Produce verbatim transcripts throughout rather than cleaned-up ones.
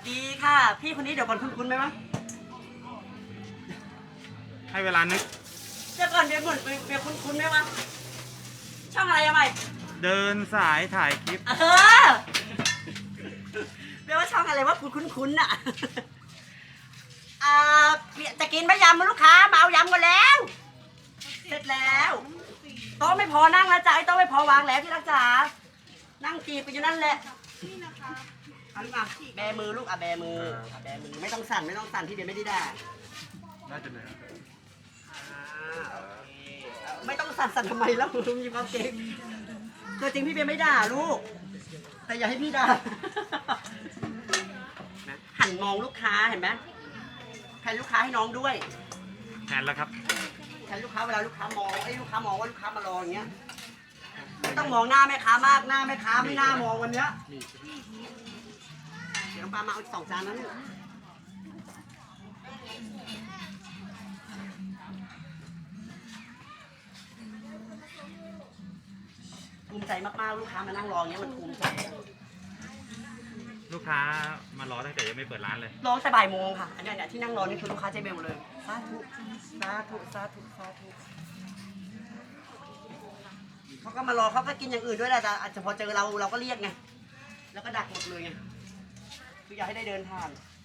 ดีค่ะ พี่คนนี้เดี๋ยวก่อนคุ้นๆไหมวะให้เวลานึกเดี๋ยวก่อนเดี๋ยวเหมือนเดี๋ยวคุ้นๆไหมวะช่องอะไรอะใหม่เดินสายถ่ายคลิปเออเรียกว่าช่องอะไรวะคุ้นๆน่ะอ่าจะกินไหมยำมาลูกค้ามาเอายำกันแล้ว เสร็จแล้วโต๊ะไม่พอนั่งแล้วจ้ะไอ้โต๊ะไม่พอวางแล้วที่รักจ๋านั่งจีบไปอยู่นั่นแหละเอาลูกอ่ะแบมือลูกอ่ะแบมืออ่ะแบมือไม่ต้องสั่นไม่ต้องสั่นที่เดียวไม่ได้ด่าน่าจะเหนื่อยอ่าโอเคไม่ต้องสั่นสั่นทำไมแล้วลุงมีความเก่งตัวจริงพี่เบียร์ไม่ด่าลูก แต่อย่าให้พี่ด่านะหันมองลูกค้าเห็นไหมแทนลูกค้าให้น้องด้วยแทนแล้วครับแทนลูกค้าเวลาลูกค้ามองไอ้ลูกค้ามองว่าลูกค้ามารออย่างเงี้ยไม่ต้องมองหน้าแม่ค้ามากหน้าแม่ค้าไม่น่ามองวันเนี้ยเดี๋ยวน้องปลามาเอาอีกสองจานนั้นภูมิใจมากๆลูกค้ามานั่งรออย่างเงี้ยมันภูมิใจลูกค้ามารอตั้งแต่ยังไม่เปิดร้านเลยร้องแต่บ่ายโมงค่ะอันเนี้ยเนี่ยที่นั่งรอนี่คือลูกค้าใจเบลเลยสาธุสาธุสาธุสาธุเขาก็มารอเขาก็กินอย่างอื่นด้วยแหละแต่อาจจะพอเจอเราเราก็เรียกไงแล้วก็ดักหมดเลยไงคืออยากให้ได้เดินผ่าน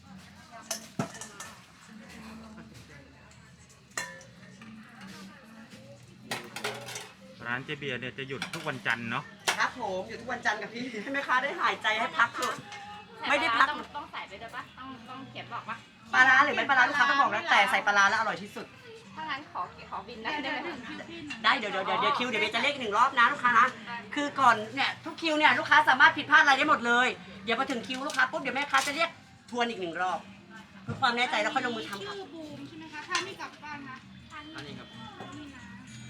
ร้านเจเบียร์เนี่ยจะหยุดทุกวันจันทร์เนาะครับผมอยู่ทุกวันจันทร์กับพี่ให้แม่ค้าได้หายใจให้พักเถอะไม่ได้พักต้องต้องใส่ไปด้วยปะต้องต้องเขียนบอกปะปลาร้าหรือไม่ปลาร้าลูกค้าต้องบอกนะแต่ใส่ปลาร้าแล้วอร่อยที่สุดถ้างั้นขอขอบินได้ได้ไหมได้เดี๋ยวเดี๋ยวเดี๋ยวเดี๋ยวคิวเดี๋ยวเบลจะเรียกอีกหนึ่งรอบนะลูกค้านะคือก่อนเนี่ยทุกคิวเนี่ยลูกค้าสามารถผิดพลาดอะไรได้หมดเลยเดี๋ยวพอถึงคิวลูกค้าปุ๊บเดี๋ยวแม่ค้าจะเรียกทวนอีกหนึ่งรอบเพื่อความแน่ใจแล้วค่อยลงมือทำครับชื่อบูมใช่ไหมคะ ถ้าไม่กลับบ้านนะอันนี้ครับนี่นะ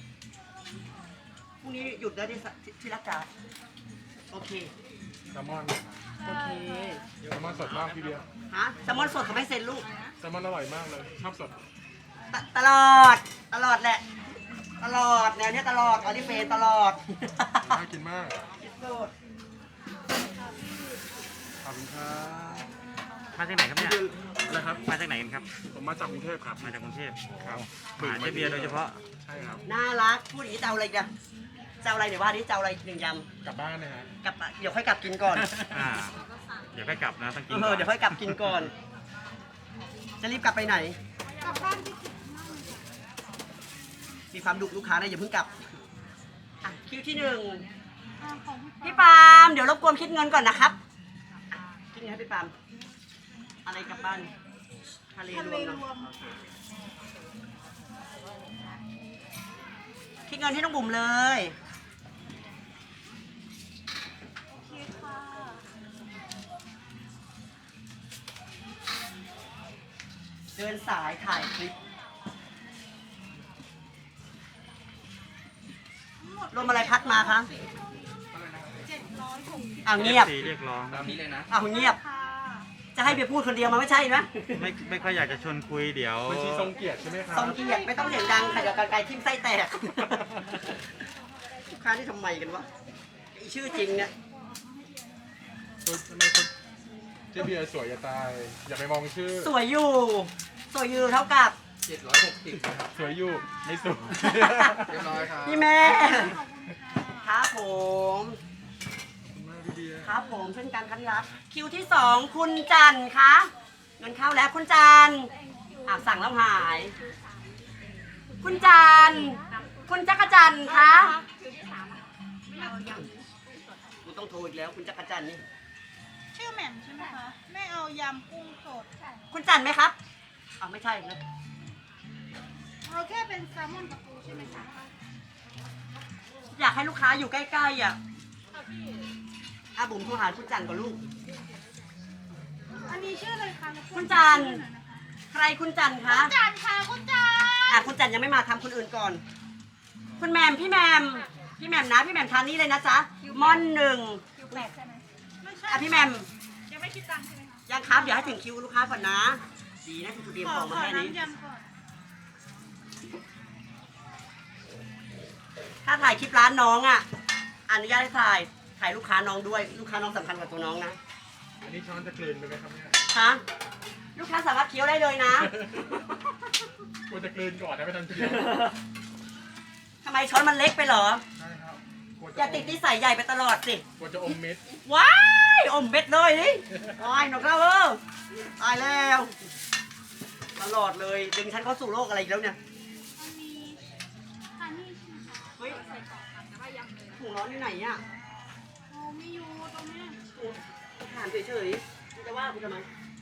พรุ่งนี้หยุดแล้วที่สที่รักจ๋าโอเคแซลมอนโอเคแซลมอนสดมากพี่เบียร์ฮะแซลมอนสดเขาไม่เซ็นลูกแซลมอนอร่อยมากเลยชอบสดตตลอดตลอดแหละตลอดแนวเนี้ยตลอดออริเฟนตลอดน่ากินมากที่สุดขอบคุณครับมาจากไหนครับเนี่ยอะไรครับมาจากไหนกันครับผมมาจากกรุงเทพครับมาจากกรุงเทพครับมาหาเจเบียร์โดยเฉพาะใช่ครับน่ารักพูดอย่างนี้จะเอาอะไรกันจะเอาอะไรเดี๋ยวว่าดิจะเอาอะไรหนึ่งยกลับบ้านนะฮะำกลับเดี๋ยวค่อยกลับกินก่อนอ่า เดี๋ยวค่อยกลับนะต้องกินเอก่ออนเดี๋ยวค่อยกลับกินก่อน จะรีบกลับไปไหนกลับบ้านที่คิดมากเลยมีความดุลูกค้านะอย่าเพิ่งกลับอ่ะคิวที่หนึ่งอ่าของพี่พี่ปาล์มเดี๋ยวรบกวนคิดเงินก่อนนะครับอ่ะคิดเงินให้พี่ปาล์มอะไรกลับบ้านทะเลทะรเลวมรเนอะวมคิดเงินให้น้องบุ๋มเลยคิดค่ะเดินสายถ่ายคลิปรวมอะไรพัดมาคะเจ็ดร้อยหกสิบอ้าวเงียบเอฟซีเรียกร้องอ้าวเงียบค่ะจะให้เบียร์พูดคนเดียวมันไม่ใช่นะไม่ไม่ค่อยอยากจะชวนคุยเดี๋ยวบัญชีทรงเกียรติใช่ไหมครับทรงเกียรติไม่ต้องเสียงดังค่ะเดี๋ยวกันไกลทิ่มไส้แตก ลูกค้าที่ทำไมกันวะไอชื่อจริงเนี่ยตัวทำไมคนเจเบียร์สวยจะตาย อย่าไปมองชื่อสวยอยู่ สวยอยู่เท่ากับสวยอยู่ไม่สวยเรียบร้อยครับพี่แม่ครับผมขอบคุณมากพี่เบียร์ครับผมเช่นกันครับที่รักคิวที่สองคุณจันทร์คะเงินเข้าแล้วคุณจันทร์อ่ะสั่งแล้วหาย คุณจันทร์คุณจักรจันทร์คะกูต้องโทรอีกแล้วคุณจักรจันทร์นี่ชื่อแหม่มใช่ไหมคะ ไม่เอายำกุ้งสดคุณจันทร์ไหมครับอ้าวไม่ใช่นะเอาแค่เป็นแซลมอนกับปูใช่ไหมคะอยากให้ลูกค้าอยู่ใกล้ๆอ่ะอาบุ๋มโทรหาคุณจันทร์ก่อนลูกอันนี้ชื่ออะไรคะคุณจันทร์ ใครคุณจันทร์คะคุณจันทร์ค่ะคุณจันทร์อ่ะคุณจันทร์ยังไม่มาทำคนอื่นก่อน คุณแหมมพี่แหมมพี่แหมมนะพี่แหมมทานนี่เลยนะจ๊ะม่อนหนึ่งคิวแปดใช่ไหมไม่ใช่อ่ะพี่แหมมยังไม่คิดตังค์ใช่ไหมคะยังครับเดี๋ยวให้ถึงคิวลูกค้าก่อนนะ ดีนะคุณเตรียมขขอองขมาอแค่นี้น้ำยำก่อนถ้าถ่ายคลิปร้านน้องอ่ะอนุญาตให้ถ่ายถ่ายลูกค้าน้องด้วยลูกค้าน้องสำคัญกว่าตัวน้องนะอันนี้ช้อนจะกลืนไปไหมครับเนี่ยฮะลูกค้าสามารถเคี้ยวได้เลยนะควรจะกลืนก่อนนะไม่ทันเคี้ยวทำไมช้อนมันเล็กไปเหรอใช่ครับกลัวอจะย่าติดนิสัยใหญ่ไปตลอดสิกลัวจะอมเม็ดว้ายอมเบ็ดเลยนี่ตายหนกแล้วเออตายแล้ว ตลอดเลยดึงฉันเข้าสู่โลกอะไรอีกแล้วเนี่ยมันมีฮันนี่ใช่ไหมคะเฮ้ยใส่กล่องค่ะแต่ว่ายำเลยนะถุงร้อนอยู่ไหนอ่ะโอ้ไม่อยู่ตรงเนี้ยถามเฉยๆคุณจะว่าคุณทำไม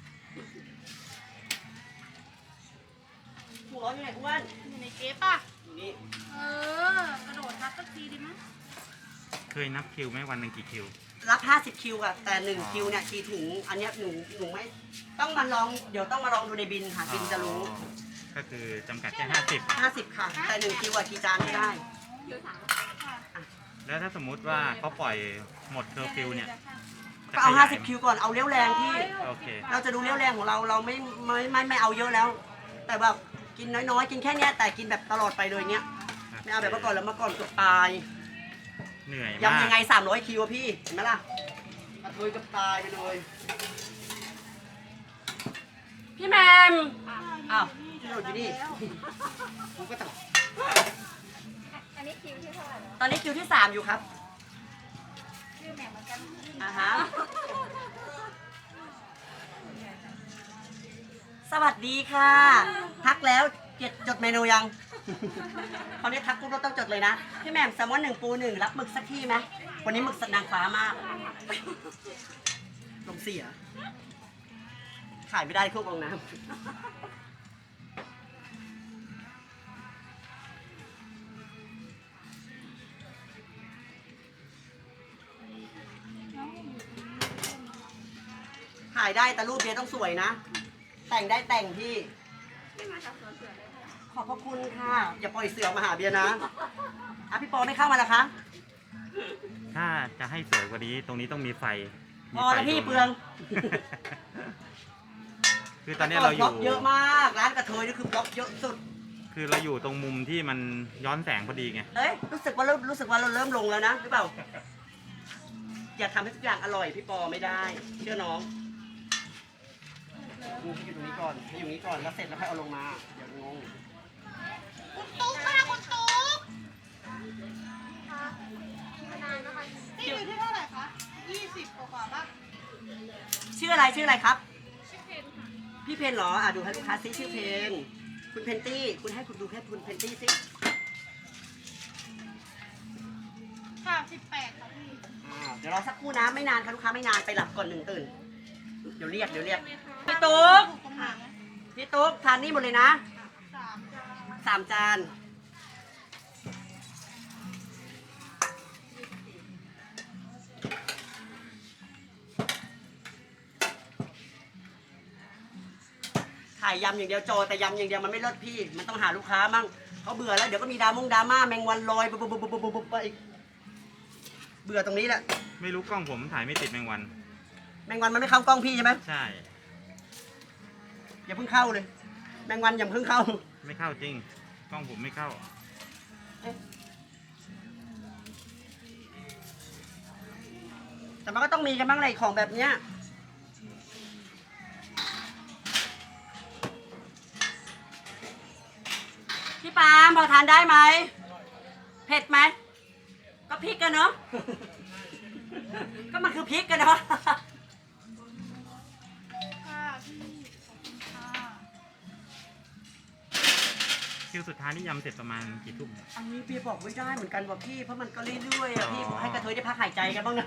ถุงร้อนอยู่ไหนอ้วนอยู่ในเก๊ป่ะอยู่นี่เออกระโดดทับสักทีดีมั้ยเคยนับคิวไหมวันหนึ่งกี่คิวรับห้าสิบคิวอะแต่หนึ่งคิวเนี่ยกี่ถุงอันเนี้ยหนูหนูไม่ต้องมาลองเดี๋ยวต้องมาลองดูในบินค่ะบินจะรู้อ๋อก็คือจำกัดแค่ห้าสิบห้าสิบค่ะ แต่หนึ่งคิวอะกี่จานไม่ได้คิวสามค่ะแล้วถ้าสมมุติว่าเขาปล่อยหมดเคอร์ฟิวเนี่ยก็เอาจะขยยห้าสิบคิวก่อนเอาเลี้ยวแรงพี่โอเคเราจะดูเลี้ยวแรงของเราเราไม่ไม่ไม่ไม่เอาเยอะแล้ว แต่แบบกินน้อยๆกินแค่เนี้ยแต่กินแบบตลอดไปเลยเนี้ยไม่เอาแบบเมื่อก่อนแล้วเมื่อก่อนเกือบตายเหนื่อยมากยำยังไงสามร้อยคิวอะพี่เห็นไหมล่ะกระเทยเกือบตายไปเลยพี่แมม อ้าวที่เราอยู่นี่ ผมก็ต้องอันนี้คิวที่เท่าไหร่แล้วตอนนี้คิวที่สามอยู่ครับชื่อแหม่มเหมือนกันอ่าฮะ สวัสดีค่ะ ทักแล้วเจ็ดจดเมนูยัง เขาเนี่ยทักปุ๊บเราต้องจดเลยนะ พี่แหม่มแซลมอนหนึ่งปูหนึ่งรับหมึกสักที่ไหมวันนี้หมึกสดนางฟ้ามาก ลมเสีย ขายไม่ได้เครื่องกรองน้ำ ถ่ายได้แต่รูปเบียร์ต้องสวยนะ แต่งได้แต่งพี่ที่มาจากสวนเสือเลยค่ะขอบพระคุณค่ะ อย่าปล่อยเสือมาหาเบียร์นะอ่ะพี่ปอไม่เข้ามาแล้วคะถ้าจะให้สวยกว่านี้ตรงนี้ต้องมีไฟมีพอไฟแล้วพี่ดวเปลืองคือตอนนี้เราอบล็ยู่อกเยอะมาก ร้านกระเทยนี่คือบล็อกเยอะสุดคือเราอยู่ตรงมุมที่มันย้อนแสงพอดีไงเอ้ยรู้สึกว่าเริ่มรู้สึกว่าเราเริ่มลงแล้วนะหรือเปล่า อย่าทำให้ทุกอย่างอร่อยพี่ปอไม่ได้ เชื่อน้องดูให้อยู่ตรงนี้ก่อนให้อยู่นี้ก่อนแล้วเสร็จแล้วค่อยเอาลงมาเดี๋ยวงงคุณตุ๊กค่ะคุณตุ๊กนานนะคะนี่อยู่ที่เท่าไหร่คะยี่สิบกว่าๆป่ะชื่ออะไรชื่ออะไรครับชื่อเพนค่ะพี่เพนเหรออ่ะดูให้ลูกค้าซิชื่อเพนคุณเพนตี้คุณให้คุณดูแค่คุณเพนตี้ซิค่ะสิบแปดค่ะพี่อ่าเดี๋ยวรอสักครู่นะไม่นานค่ะลูกค้าไม่นานไปหลับก่อนหนึ่งตื่น เดี๋ยวเรียกเดี๋ยวเรียกพี่ตุ๊กถูกตรงไหนอะพี่ตุ๊กทานนี่หมดเลยนะสามจานสามจานขายยำอย่างเดียวโจแต่ยำอย่างเดียวมันไม่เลิศพี่ มันต้องหาลูกค้ามั่งเขาเบื่อแล้วเดี๋ยวก็มีดรามงดราม่าแมงวันลอยปุ๊บปุ๊บปุ๊บปุ๊บปุ๊บไปอีกเบื่อตรงนี้แหละไม่รู้กล้องผมถ่ายไม่ติดแมงวันแมงวันมันไม่เข้ากล้องพี่ใช่ไหมใช่อย่าเพิ่งเข้าเลย แมงวันอย่าเพิ่งเข้าไม่เข้าจริง กล้องผมไม่เข้าแต่มันก็ต้องมีกันบ้างเลยของแบบเนี้ยพี่ปาล์มพอทานได้ไหมเผ็ดไหมก็พริกกันเนาะ ก็มันคือพริกกันเนาะค่ะพี่ขอบคุณค่ะคิวสุดท้ายนี่ยำเสร็จประมาณกี่ทุ่มอันนี้พี่บอกไม่ได้เหมือนกันว่ะพี่เพราะมันก็เรื่อยๆอ่ะพี่อ๋อให้กระเทยได้พักหายใจกันบ้างนะ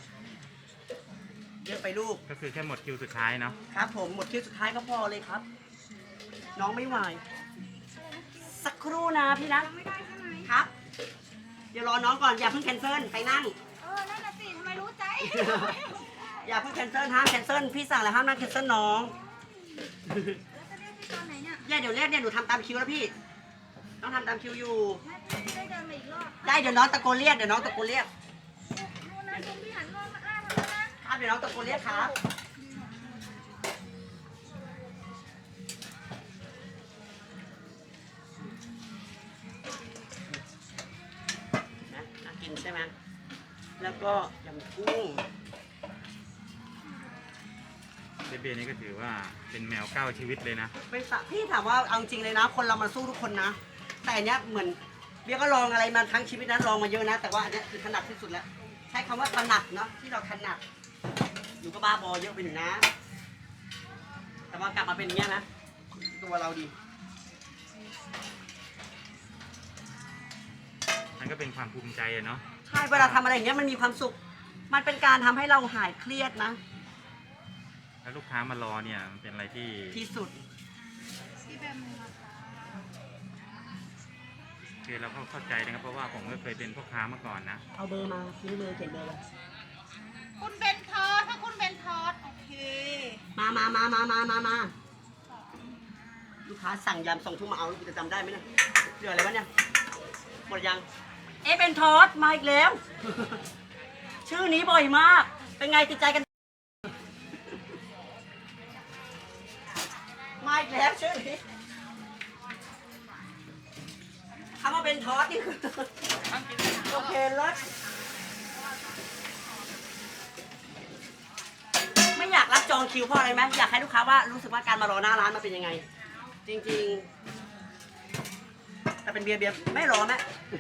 เยอะไปลูกก็คือแค่หมดคิวสุดท้ายเนาะครับผมหมดคิวสุดท้ายก็พอเลยครับ น้องไม่ไหวสักครู่นะพี่นะไม่ได้ใช่ไหมครับ เดี๋ยวรอน้องก่อนอย่าเพิ่งแคนเซิลไปนั่งเออ นั่นน่ะสิทำไมรู้ใจอย่าเพิ่งแคนเซิลห้ามแคนเซิลพี่สั่งแล้วห้ามนั่งแคนเซิลน้องแล้วจะเรียกพี่ตอนไหนเนี่ยเนี่ยเดี๋ยวเรียกเนี่ยหนูทำตามคิวแล้วพี่ต้องทำตามคิวอยู่ไม่ได้เดินมาอีกรอบได้เดี๋ยวน้องตะโกนเรียกเดี๋ยวน้องตะโกนเรียกนู่นนะคุณพี่หันรอบมาอ้าทำแล้วนะครับเดี๋ยวน้องตะโกนเรียกครับนะน่ากินใช่ไหมแล้วก็ยำกุ้งเดเบียร์นี่ก็ถือว่าเป็นแมวเก้าชีวิตเลยนะไม่สะพี่ถามว่าเอาจริงเลยนะ คนเรามันสู้ทุกคนนะ แต่อันเนี้ยเหมือนเบียร์ก็ลองอะไรมาทั้งชีวิตนะลองมาเยอะนะ แต่ว่าอันเนี้ยคือถนัดที่สุดแล้ว ใช้คำว่าถนัดเนาะที่เราถนัดอยู่ก็บ้าบอเยอะไปหนึ่งนะ แต่ว่ากลับมาเป็นอย่างเงี้ยนะ ตัวเราดีมันก็เป็นความภูมิใจอะเนาะใช่เวลาทำอะไรอย่างเงี้ยมันมีความสุข มันเป็นการทำให้เราหายเครียดนะแล้วลูกค้ามารอเนี่ยมันเป็นอะไรที่ที่สุดพี่แบมนะคะคือเราก็เข้าใจนะครับเพราะว่าผมก็เคยเป็นพ่อค้ามาก่อนนะเอาเบอร์มาซื้อเบอร์เขียนเบอร์เลยคุณเบนทอสถ้าคุณเบนทอสโอเคมามามามามามามาลูกค้าสั่งยำส่งทุ่มมาเอาลูกจะจำได้ไหมเนี่ยเหลืออะไรวะเนี่ยหมดยัง เอะเป็นทอสมาอีกแล้ว ชื่อนี้บ่อยมาก เป็นไงติดใจกัน มาอีกแล้วชื่อนี้คำว่าเป็นทอสนี่คือ โอเคเลิศไม่อยากรับจองคิวเพราะอะไรไหมอยากให้ลูกค้าว่ารู้สึกว่าการมารอหน้าร้านมันเป็นยังไง จริงๆแต่เป็นเบียร์เบียร์ไม่รอแม่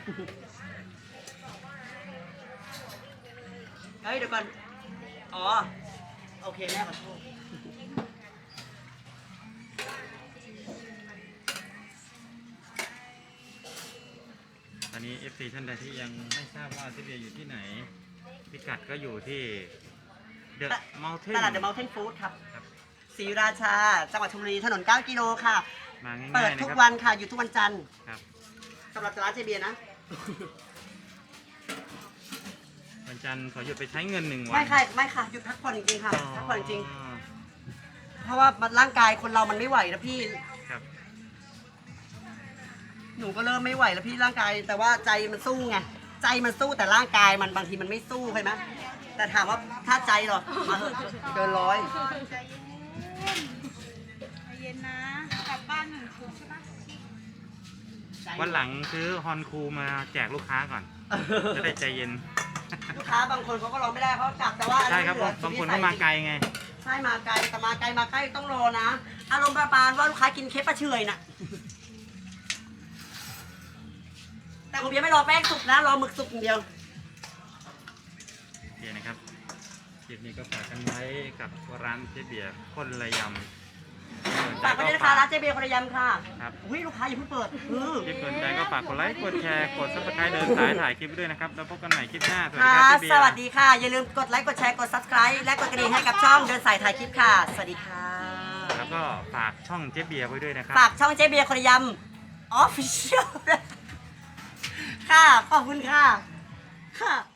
เฮ้ยเดี๋ยวก่อน อ๋อ โอเคแม่ขอโทษตอนนี้ เอฟ ซี ท่านใดที่ยังไม่ทราบว่าเจ๊เบียร์อยู่ที่ไหน พิกัดก็อยู่ที่ The ต Mountain ลาดเดอะมอลเทนฟู้ดครับครับศรีราชา จังหวัดชลบุรี ถนนเก้ากิโลค่ะมาง่ายๆเปิดนะทุกครับวันค่ะ อยู่ทุกวันจันทร์ครับสำหรับร้านเจเบียร์นะวันจันทร์ขอหยุดไปใช้เงินหนึ่งวันไม่ค่ะ ไม่ค่ะ หยุดพักผ่อนจริงๆค่ะอ๋อพักผ่อนจริง เพราะว่ามันร่างกายคนเรามันไม่ไหวนะพี่ครับหนูก็เริ่มไม่ไหวแล้วพี่ร่างกาย แต่ว่าใจมันสู้ไง ใจมันสู้แต่ร่างกายมันบางทีมันไม่สู้ใช่ไหมแต่ถามว่าถ้าใจเหรอมาเถอะเกินร้อยใจเย็นใจเย็นนะ กลับบ้านหนึ่งชุดใช่ปะวันหลังซื้อฮอนคูมาแจกลูกค้าก่อน จะได้ใจเย็นลูกค้าบางคนเขาก็รอไม่ได้เขากลับแต่ว่าอันใช่นี้ครับเหลือบางคนก็มาไกลไงใช่มาไกลแต่มาไกลมาใกล้ต้องรอนะ อารมณ์ประมาณว่าลูกค้ากินเค้กปลาเฉอยน่ะ แต่ผมยังไม่รอแป้งสุกนะ รอหมึกสุกอย่างเดียวโอเคนะครับคลิปนี้ก็ฝากกันไว้กับร้านเจ๊เบียร์คนละยำฝากไปด้วยนะคะร้านเจเบียร์พรยำค่ะครับอุ้ยลูกค้าอย่าเพิ่งเปิดเออคลิปสนใจก็ฝากกดไลค์ กดแชร์ กดซับสไครต์เดินสายถ่ายคลิปด้วยนะครับ แล้วพบกันใหม่คลิปหน้า สวัสดีค่ะครับเจ๊เบียสร์วัสดีค่ะ อย่าลืมกดไลค์ กดแชร์ กด subscribe และกดกระดิ่งให้กับช่องเดินสายถ่ายคลิปค่ะ สวัสดีค่ะแล้วก็ฝากช่องเจ๊เบียร์ไว้ด้วยนะครับฝากช่องเจเบียร์พรยำ official ค่ะ ขอบคุณค่ะ ค่ะ